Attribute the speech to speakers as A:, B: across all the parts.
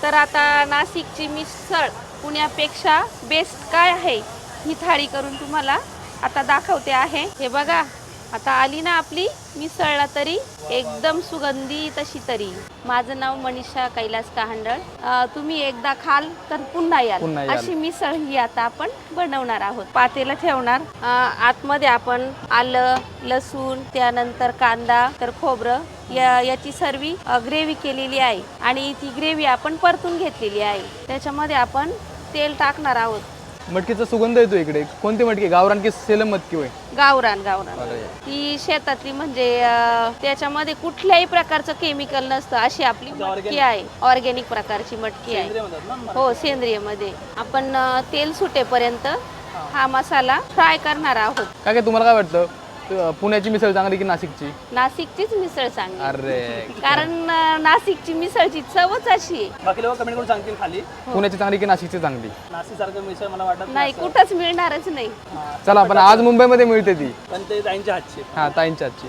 A: तर आता नाशिकची मिसळ पुण्यापेक्षा बेस्ट काय आहे ही थाळी करून तुम्हाला आता दाखवते आहे। हे बघा आता आली ना आपली मिसळला तरी एकदम सुगंधी तशी तरी। माझं नाव मनीषा कैलास कहांडळ। तुम्ही एकदा खाल तर पुन्हा याल अशी मिसळ ही आता आपण बनवणार आहोत। पातेला ठेवणार, आतमध्ये आपण आलं लसूण त्यानंतर कांदा तर खोबरं याची सर्व ग्रेव्ही केलेली आहे आणि ती ग्रेव्ही आपण परतून घेतलेली आहे। त्याच्यामध्ये आपण तेल टाकणार आहोत।
B: मटकीचा सुगंध येतो इकडे। कोणती मटकी, गावरान की सेलम मटकी होय?
A: गावरान गावरान ती शेतातली म्हणजे त्याच्यामध्ये कुठल्याही प्रकारचं केमिकल नसतं अशी आपली मटकी आहे। ऑर्गॅनिक प्रकारची मटकी आहे। हो सेंद्रिय मध्ये आपण तेल सुटेपर्यंत हा मसाला फ्राय करणार आहोत।
B: काय तुम्हाला काय वाटतं, पुण्याची मिसळ चांगली की नाशिकची?
A: नाशिकचीच मिसळ चांगली।
B: अरे
A: कारण नाशिकची मिसळची चवच अशी आहे।
C: बाकी लोक कमेंट करून सांगतील खाली
B: पुण्याची चांगली की नाशिकची चांगली?
C: नाशिक सारखं मिसळ मला वाटत
A: नाही, कुठंच मिळणारच नाही।
B: चला पण आज मुंबईमध्ये मिळते ती,
C: पण ते ताईंच्या हातची।
B: हा ताईंच्या हातची।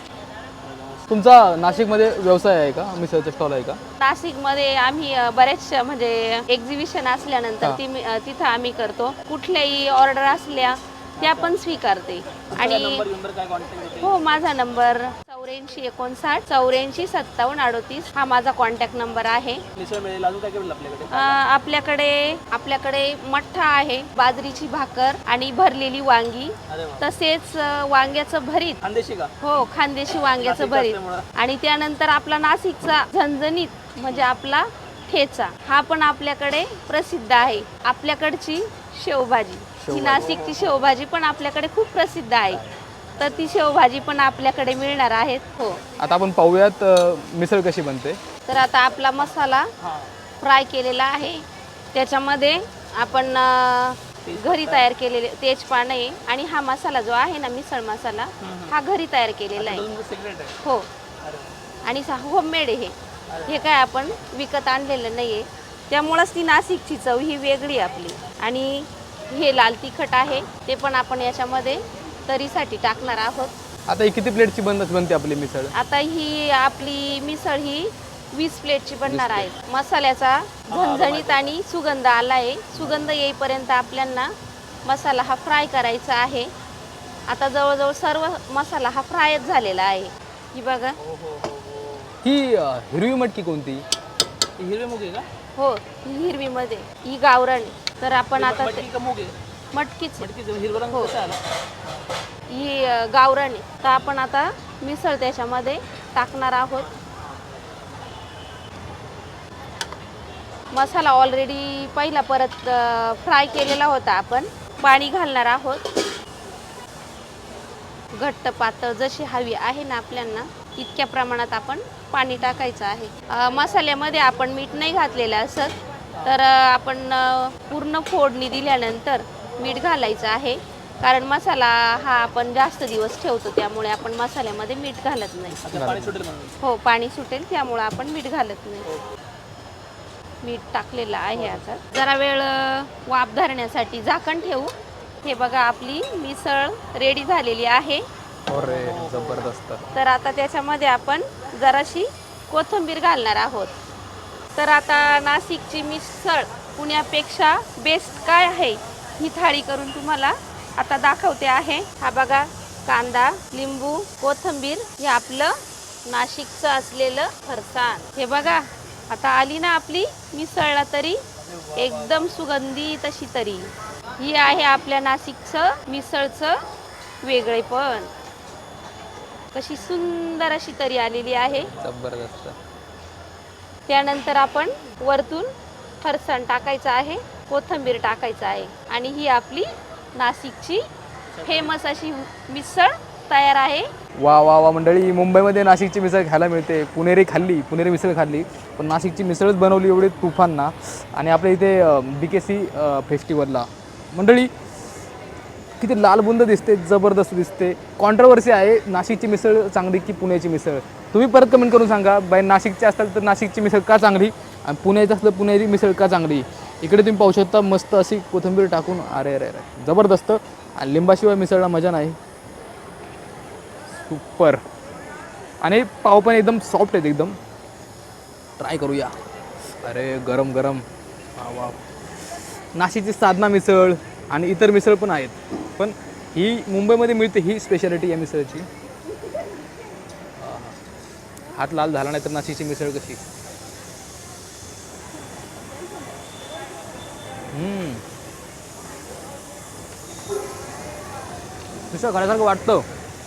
B: तुमचा नाशिकमध्ये व्यवसाय आहे का, मिसळचा स्टॉल आहे का?
A: नाशिकमध्ये आम्ही बरेच म्हणजे एक्झिबिशन असल्यानंतर तिथं आम्ही करतो। कुठल्याही ऑर्डर असल्या त्या पण स्वीकारते। आणि हो माझा नंबर 8459 84 57 38 हा माझा कॉन्टॅक्ट नंबर आहे।
C: मिसळ मिळेल। अजून काय आपल्याकडे?
A: आपल्याकडे मठ्ठा आहे, बाजरीची भाकर आणि भरलेली वांगी, तसेच वांग्याचं भरीत।
C: खानदेशी का?
A: हो खानदेशी वांग्याचं भरीत। आणि त्यानंतर आपला नाशिकचा झणझणीत म्हणजे आपला ठेचा हा पण आपल्याकडे प्रसिद्ध आहे। आपल्याकडची शेवभाजी, ही नाशिकची शेवभाजी पण आपल्याकडे खूप प्रसिद्ध आहे। तर ती शेवभाजी पण आपल्याकडे मिळणार आहेत। हो
B: आता आपण पाहूयात मिसळ कशी बनते।
A: तर आता आपला मसाला फ्राय केलेला आहे। त्याच्यामध्ये आपण घरी तयार केलेले तेजपान आहे आणि हा मसाला जो आहे ना मिसळ मसाला हा घरी तयार केलेला आहे। हो आणि होममेड आहे हे काय आपण विकत आणलेलं नाहीये, त्यामुळेच ती नाशिकची चव ही वेगळी आपली। आणि हे लाल तिखट आहे ते पण आपण याच्यामध्ये तरीसाठी टाकणार आहोत।
B: आता ही किती प्लेटची बनते आपली मिसळ?
A: आता ही आपली मिसळ ही 20 प्लेटची बनणार आहे। मसाल्याचा झणझणीत आणि सुगंध आलाय। सुगंध येईपर्यंत आपल्याला मसाला हा फ्राय करायचा आहे। आता जवळजवळ सर्व मसाला हा फ्रायच झालेला आहे। ही बघा
B: ही हिरवी मटकी कोणती?
C: हिरवे मूग आहे का?
A: हो ही हिरवी मध्ये, ही गावरान। तर आपण आता मटकीच
C: हिरवा रंग कसा आला?
A: ही गावरान आहे। तर आपण आता मिसळ त्याच्यामध्ये टाकणार आहोत। मसाला ऑलरेडी पहिला परत फ्राय केलेला होता। आपण पाणी घालणार आहोत। घट्ट पातळ जशी हवी आहे ना आपल्याला इतक्या प्रमाणात आपण पाणी टाकायचं आहे। मसाल्यामध्ये आपण मीठ नाही घातलेलं असत, तर आपण पूर्ण फोडणी दिल्यानंतर मीठ घालायचं आहे। कारण मसाला हा आपण जास्त दिवस ठेवतो त्यामुळे आपण मसाल्यामध्ये मीठ घालत नाही।
C: पाणी सुटेल म्हणून?
A: हो पाणी सुटेल त्यामुळे आपण मीठ घालत नाही। मीठ टाकलेलं आहे। आता जरा वेळ वाफ धरण्यासाठी झाकण ठेवू। हे बघा आपली मिसळ रेडी झालेली आहे।
B: अरे जबरदस्त।
A: तर आता त्याच्यामध्ये आपण जराशी कोथिंबीर घालणार आहोत। तर आता नाशिकची मिसळ पुण्यापेक्षा बेस्ट काय आहे ही थाळी करून तुम्हाला आता दाखवते आहे। हा बघा कांदा, लिंबू, कोथिंबीर हे आपलं नाशिकचं असलेलं फरसाण। हे बघा आता आली ना आपली मिसळला तरी एकदम सुगंधी तशी तरी। ही आहे आपल्या नाशिकचं मिसळचं वेगळेपण। कशी सुंदर अशी तरी आलेली आहे,
B: जबरदस्त।
A: त्यानंतर आपण वरतून फरसाण टाकायचं आहे, कोथिंबीर टाकायचं आहे आणि ही आपली नाशिकची फेमस अशी मिसळ तयार आहे।
B: वा वा वा मंडळी, मुंबईमध्ये नाशिकची मिसळ खायला मिळते। पुणेरी मिसळ खाल्ली, पण नाशिकची मिसळच बनवली एवढी तुफान ना। आणि आपल्या इथे BKC फेस्टिवलला मंडळी किती लाल बुंद दिसते, जबरदस्त दिसते। कॉन्ट्रोवर्सी आहे, नाशिकची मिसळ चांगली की पुण्याची मिसळ? तुम्ही परत कमेंट करून सांगा। बाय नाशिकचे असतात तर नाशिकची मिसळ का चांगली आणि पुण्याचं असलं पुणेरी मिसळ का चांगली? इकडे तुम्ही पाहू शकता मस्त अशी कोथिंबीर टाकून, अरे अरे अरे जबरदस्त। आणि लिंबाशिवाय मिसळला मजा नाही। सुपर। आणि पाव पण एकदम सॉफ्ट आहेत, एकदम ट्राय करूया। अरे गरम गरम. वा. नाशिकची साधना मिसळ आणि इतर मिसळ पण आहेत, पण ही मुंबईमध्ये मिळते ही स्पेशालिटी या मिसळची. हात लाल झाला नाही तर नाशिकची मिसळ कशी. मिसळ खाण्यासारखं वाटतं.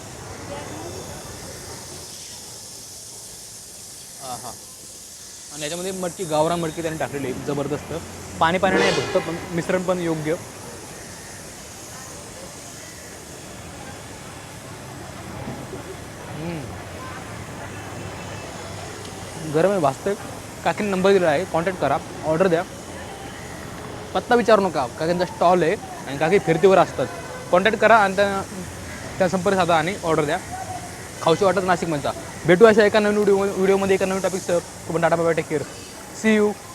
B: हां. आणि याच्यामध्ये मटकी, गावरान मटकी त्याने टाकलेली आहे, जबरदस्त. पाणी नाही फक्त, पण मिश्रण पण योग्य. गरम आहे, भाजतंय. काकीने नंबर दिला आहे, कॉन्टॅक्ट करा, ऑर्डर द्या. पत्ता विचारू नका, काकींचा स्टॉल आहे आणि काकी फिरतीवर असतात. कॉन्टॅक्ट करा आणि त्या संपर्क साधा आणि ऑर्डर द्या. खाऊशी वाटत नाशिकमधचा. भेटू अशा एका नवीन व्हिडिओमध्ये एका नवीन टॉपिकसह. पण tata bye, take care, see you.